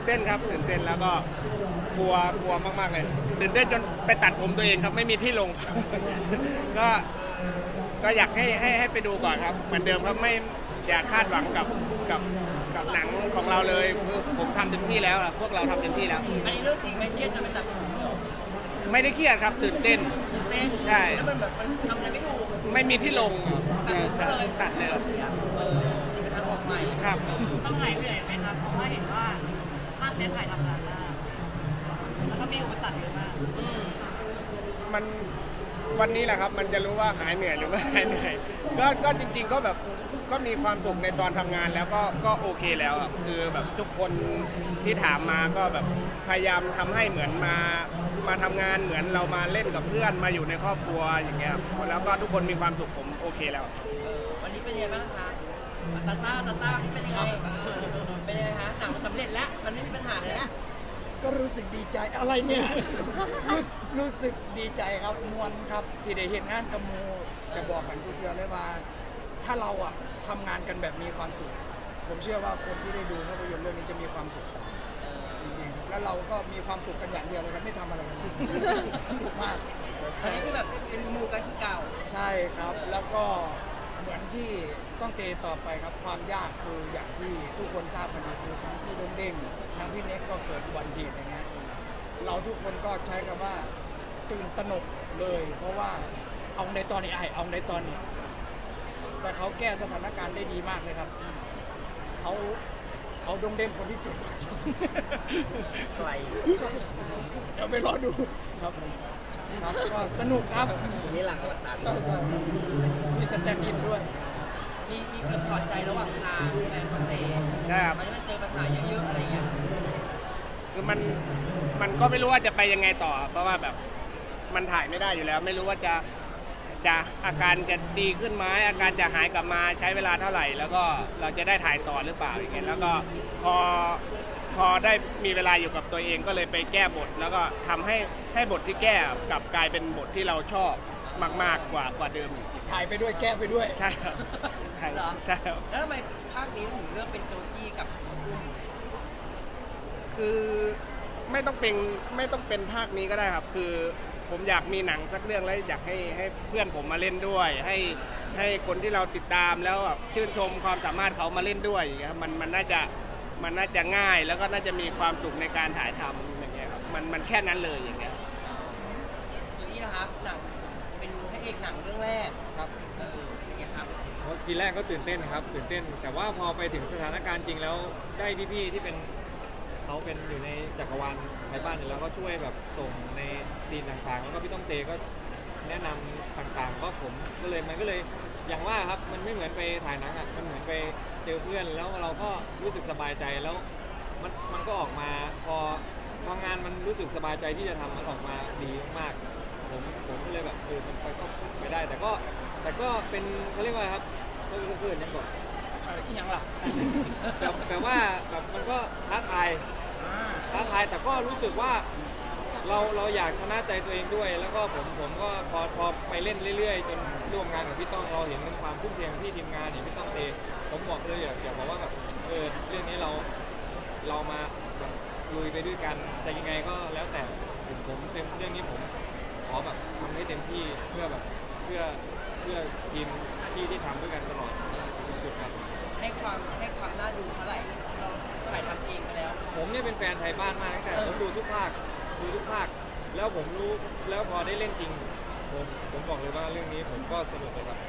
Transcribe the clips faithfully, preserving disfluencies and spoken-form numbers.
ต้นครับตื่นเต้นแล้วก็กลัวกลัวมากๆเลยตื่นเต้นจนไปตัดผมตัวเองครับไม่มีที่ลง ก็ก็อยากให้ให้ให้ไปดูก่อนครับเหมือนเดิมครับไม่อยากคาดหวังกับกับกับหนังของเราเลยคือผมทำเต็มที่แล้วอะพวกเราทำเต็มที่แล้วอันนี้เรื่องจริงไหมเครียดจะไปตัดผมเหรอไม่ได้เครียดครับตื่นเต้นตื่นเต้นใช่แล้วมันแบบมันทำอะไรไม่ถูกไม่มีที่ลงตัดเลยตัดเลยครับเออเป็นทางออกใหม่ครับต้องหายเหนื่อยไหมครับ เพราะว่าเห็นว่าภาคเต้นถ่ายทำนานมากแล้วก็มีอุปสรรคเยอะมากมันวันนี้แหละครับมันจะรู้ว่าหายเหนื่อยหรือไม่หายเหนื่อยก็ก็จริงๆก็แบบก็มีความสุขในตอนทำงานแล้วก็ก็โอเคแล้วอะคือแบบทุกคนที่ถามมาก็แบบพยายามทำให้เหมือนมามาทำงานเหมือนเรามาเล่นกับเพื่อนมาอยู่ในครอบครัวอย่างเงี้ยครับแล้วก็ทุกคนมีความสุขผมโอเคแล้วเออวันนี้เป็นยังไงบ้างคะตาต้าตาต้านี่เป็นยังไงเป็นยังไงฮะหนังสำเร็จแล้วมันไม่มีปัญหาเลยนะก็รู้สึกดีใจอะไรเนี่ย รู้รู้สึกดีใจครับมวลครับที่ได้เห็นงานกับหมูจะบอกกันทุกเดือนเลยว่า ถ้าเราอะทำงานกันแบบมีความสุขผมเชื่อว่าคนที่ได้ดูภาพยนตร์เรื่องนี้จะมีความสุขจริงๆแล้วเราก็มีความสุขกันอย่างเดียวเลยครับไม่ทำอะไรกันเลยสนุกมากตอนนี้คือแบบเป็นหมูกันที่เก่าใช่ครับแล้วก็เหมือนที่ต้องเตะต่อไปครับความยากคืออย่างที่ทุกคนทราบกันดีคือทั้งที่โดงเด้งทั้งพี่เน็กก็เกิดอุบัติเหตุอย่างเงี้ยเราทุกคนก็ใช้คำว่าตื่นตระหนกเลย เพราะว่าเอาในตอนนี้ไอเอาในตอนนี้ แต่เขาแก้สถานการณ์ได้ดีมากเลยครับเขาเอาดงเด้งคนที่เจ็ดไกลเดี๋ยวไปรอดูครับครับก็สนุกครับนี่หลังอวตารใช่ใช่มีสแตนด์อินด้วยมีมีเกิดถอดใจระหว่างทางแรงคนเตะใช่ครับมันจะเจอปัญหาเยอะๆอะไรเงี้ยคือมันมันก็ไม่รู้ว่าจะไปยังไงต่อ เพราะว่าแบบมันถ่ายไม่ได้อยู่แล้ว ไม่รู้ว่าจะจะอาการจะดีขึ้นไหมอาการจะหายกลับมาใช้เวลาเท่าไหร่ แล้วก็เราจะได้ถ่ายต่อหรือเปล่าอย่างเงี้ยแล้วก็พอพอได้มีเวลาอยู่กับตัวเองก็เลยไปแก้บท แล้วก็ทำให้ให้บทที่แก้กลับกลายเป็นบทที่เราชอบมากๆกว่ากว่าเดิมอีกถ่ายไปด้วยแก้ไปด้วยใช่ครับใช่เหรอใช่ครับแล้วทำไมภาคนี้ถึงเลือกเป็นโจกี้กับน้องอุ้มคือไม่ต้องเป็นไม่ต้องเป็นภาคนี้ก็ได้ครับ คือผมอยากมีหนังสักเรื่องแล้วอยากให้ให้เพื่อนผมมาเล่นด้วย ให้ให้คนที่เราติดตามแล้วแบบชื่นชมความสามารถเขามาเล่นด้วยอย่างเงี้ยครับมันมันน่าจะมันน่าจะง่ายแล้วก็น่าจะมีความสุขในการถ่ายทำอย่างเงี้ยครับมันมันแค่นั้นเลยอย่างเงี้ยโจกี้นะครับหนังเป็นพระเอกหนังเรื่องแรกครับเออเป็นไงครับเพราะทีแรกก็ตื่นเต้นครับตื่นเต้น แต่ว่าพอไปถึงสถานการณ์จริงแล้วได้พี่ๆที่เป็นเขาเป็นอยู่ในจักรวาลไทยบ้านเนี่ยแล้วก็ช่วยแบบส่งในสตรีมต่างๆ แล้วก็พี่ต้องเตก็แนะนำต่างๆ ก็ผมก็เลยมันก็เลยอย่างว่าครับมันไม่เหมือนไปถ่ายหนังอ่ะมันเหมือนไปเจอเพื่อนแล้วเราก็รู้สึกสบายใจแล้วมันมันก็ออกมาพอพองานมันรู้สึกสบายใจที่จะทำมันออกมาดีมากๆผมผมก็เลยแบบเออมันไปก็ไปได้ แต่ก็แต่ก็เป็นเขาเรียกว่าอะไรครับก็คือเพื่อนยังบอกเอ่ออีกอย่างล่ะแต่แต่ว่าแบบมันก็ท้าทายท้าทายแต่ก็รู้สึกว่าเราเราอยากชนะใจตัวเองด้วย แล้วก็ผมผมก็พอพอไปเล่นเรื่อยๆ จนร่วมงานกับพี่ต้องเราเห็นถึงความทุ่มเทของพี่ทีมงานเห็นพี่ต้องเตผมบอกเลยอยากอยากบอกว่าแบบเออเรื่องนี้เราเรามาแบบลุยไปด้วยกันจะยังไงก็แล้วแต่ผมผมเต็มเรื่องนี้ผมขอแบบทำให้เต็มที่เพื่อแบบเพื่อเพื่อทีมที่ที่ทำด้วยกันตลอดสุดๆครับให้ความให้ความน่าดูเท่าไหร่เราถ่ายทำเองไปแล้วผมเนี่ยเป็นแฟนไทยบ้านมากตั้งแต่เออผมดูทุกภาคดูทุกภาคแล้วผมรู้แล้วพอได้เล่นจริง ผมผมบอกเลยว่าเรื่องนี้ผมก็สนุกเลยครับ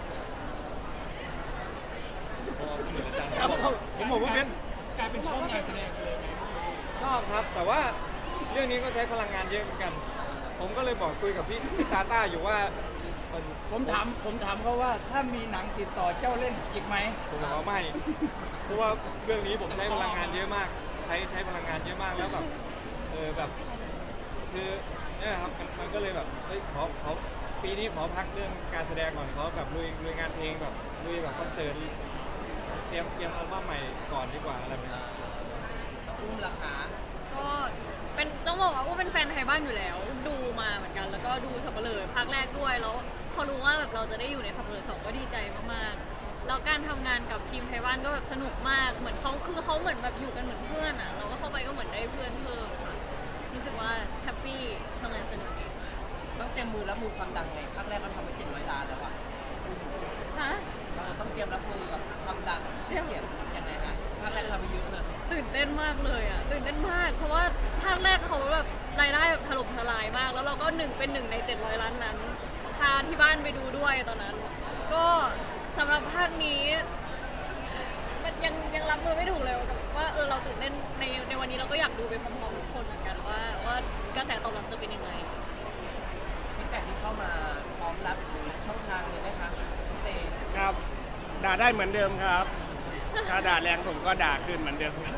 พอสนุกอาจารย์ผมบอกผมบอกว่าเป็นกลายเป็นช่องงานแสดงเลยชอบครับ แต่ว่าเรื่องนี้ก็ใช้พลังงานเยอะเหมือนกัน ผมก็เลยบอกคุยกับพี่พี่ตาต้าอยู่ว่ามันผมถามผมถามเขาว่าถ้ามีหนังติดต่อเจ้าเล่นอีกไหมผมบอกว่าไม่ เพราะว่าเรื่องนี้ผมใช้พลังงานเยอะมาก ใช้ใช้พลังงานเยอะมากแล้วแบบเออแบบคือเนี่ยครับมันมันก็เลยแบบเฮ้ยขอขอปีนี้ขอพักเรื่องการแสดงก่อนขอแบบลุยลุยงานเพลงแบบลุยแบบคอนเสิร์ตเตรียมเตรียมอัลบั้มใหม่ก่อนดีกว่าอะไรแบบนี้น้องอุ้มราคาก็เป็นต้องบอกว่าอุ้มเป็นแฟนไทยบ้านอยู่แล้วอุ้มดูมาเหมือนกัน แล้วก็ดูสัปเหร่อภาคแรกด้วยแล้วพอรู้ว่าแบบเราจะได้อยู่ในสัปเหร่อสองก็ดีใจมากๆแล้วการทำงานกับทีมไทยบ้านก็แบบสนุกมากเหมือนเขาคือเขาเหมือนแบบอยู่กันเหมือนเพื่อนอ่ะเราก็เข้าไปก็เหมือนได้เพื่อนเพิ่มค่ะรู้สึกว่าแฮปปี้ทำงานสนุกดีค่ะต้องเตรียมมือรับมือความดังไงภาคแรกเขาทำไปเจ็ดร้อยล้านแล้วอะฮะเราต้องเตรียมรับมือกับความดังที่เสียงยังไงฮะภาคแรกทำไปเยอะเลยตื่นเต้นมากเลยอ่ะตื่นเต้นมาก เพราะว่าภาคแรกเขาแบบรายได้แบบถล่มทลายมาก แล้วเราก็หนึ่งเป็นหนึ่งในเจ็ดร้อยล้านนั้นพาที่บ้านไปดูด้วยตอนนั้น ก็สำหรับภาคนี้มันยังยังรับมือไม่ถูกเลยกับว่าเออเราตื่นเต้นในในวันนี้เราก็อยากดูไปพร้อมๆทุกคนเหมือนกันว่าว่ากระแสตอบรับจะเป็นยังไงฟีดแบ็กที่เข้ามาพร้อมรับช่องทางเลยไหมคะน้องเตครับ ด่าได้เหมือนเดิมครับ ถ้าด่าแรงผมก็ด่าขึ้นเหมือนเดิมครับ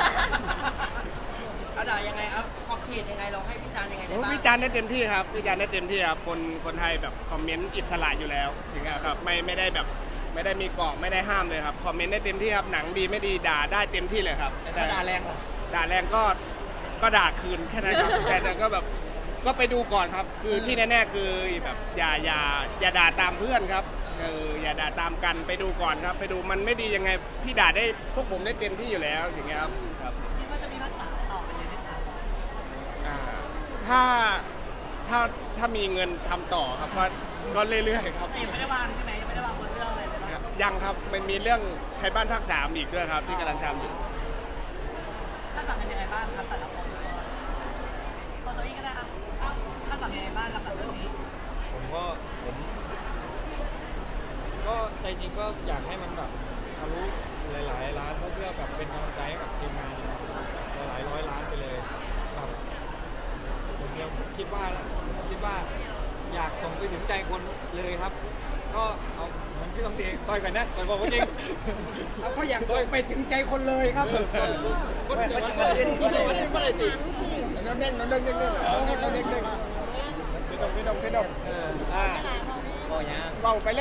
เอาด่ายังไงเอาขอบเขตยังไงเราให้วิจารณ์ยังไงได้ผมบ้างวิจารณ์ได้เต็มที่ครับวิจารณ์ได้เต็มที่ครับคนคนไทยแบบคอมเมนต์อิสระอยู่แล้วอย่างเงี้ยครับไม่ไม่ได้แบบไม่ได้มีเกาะไม่ได้ห้ามเลยครับคอมเมนต์ได้เต็มที่ครับหนังดีไม่ดีด่าได้เต็มที่เลยครับแต่ถ้าด่าแรงล่ะด่าแรงก็ก็ด่าคืนแค่นั้นครับ แต่แต่ก็แบบก็ไปดูก่อนครับ คือที่แน่ๆคือแบบอย่าอย่าอย่าด่าตามเพื่อนครับเอออย่าด่าตามกันไปดูก่อนครับ ไปดูมันไม่ดียังไงพี่ด่าได้พวกผมได้เต็มที่อยู่แล้วอย่างเงี้ยครับครับคิดว่าจะมีภาคสามต่อไปเลยไหมครับอ่าถ้าถ้าถ้ามีเงินทำต่อครับก็ก็เรื่อยๆครับแต่ยังไม่ได้วางใช่ไหมยังไม่ได้วางบนเรื่องเลยเลยครันะบยังครับมันมีเรื่องไทยบ้านภาคสามอีกด้วยครับที่กำลังทำอยู่คาดหวังกันยังไงบ้างครับแต่ละคนตัวตัวเองก็ได้ครับคาดหวังยังไงบ้างกับเรื่องนี้ผมก็ผมก็ใจจริงก็อยากให้มันแบบทะลุหลายๆล้านเพื่อแบบเป็นกำลังใจให้กับทีมงานนะครับหลายๆร้อยล้านไปเลยแบบผมยังคิดว่าคิดว่าอยากส่งไปถึงใจคนเลยครับ ก็เอาเหมือนพี่ต้องตีซอยกันนะแต่บอกว่าจริงเขาเขาอยากส่งไปถึงใจคนเลยครับคนเดียวกันเลยไม่ได้ตีน้ำเด้งน้ำเด้งเด้งเด้งน้ำเด้งน้ำเด้งเด้งพี่ดงพี่ดงพี่ดงอ่าบอกอย่างเบาไปเลย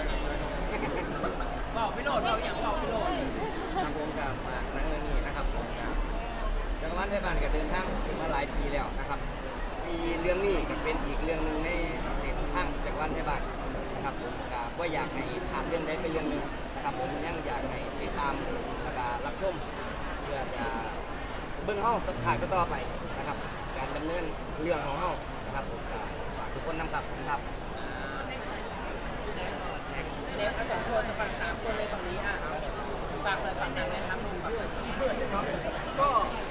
บอกพี่โหลดเราอย่างบอกพี่โหลดครับผมกับฝากหนังเรื่องนี้นะครับผมกับจักรวาลไทยบ้านก็เดินทางมาหลายปีแล้วนะครับปีเรื่องนี้ก็เป็นอีกเรื่องหนึ่งในเส้นทางจักรวาลไทยบ้านนะครับผมกับว่าอยากให้ผ่านเรื่องใดเป็นเรื่องหนึ่งนะครับผมยังอยากให้ติดตามแล้วก็รับชมเพื่อจะเบื้องห้องผ่านก็ต่อไปนะครับการดำเนินเรื่องของห้องนะครับผมก็ฝากทุกคนนำครับผมครับเด็กสองคนฝั่งสามคนเลยฝั่งนี้อ่ะฝากเลยฝากหนังเลยครับลุงฝากเลยเพื่อนครับก็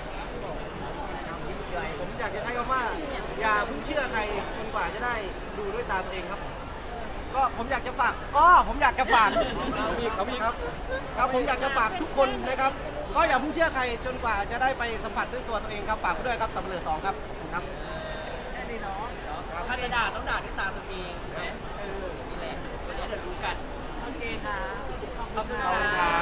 ผมอยากจะใช้คำว่า อย่าเพิ่งเชื่อใครจนกว่าจะได้ดูด้วยตาตัวเองครับ ก็ผมอยากจะฝากก็ผมอยากจะฝากเขามีเขามีครับครับผมอยากจะฝากทุกคนนะครับ ก็อย่าเพิ่งเชื่อใครจนกว่าจะได้ไปสัมผัสด้วยตัวตัวเองครับฝากไว้ด้วยครับสัมเหลือสองครับครับแค่นี้เนาะถ้าจะด่าต้องด่าด้วยตาตัวเองถูกไหมเออนี่แหละวันนี้เดี๋ยวรู้กันโอเคครับขอบขอบคุคุณณคครัรับ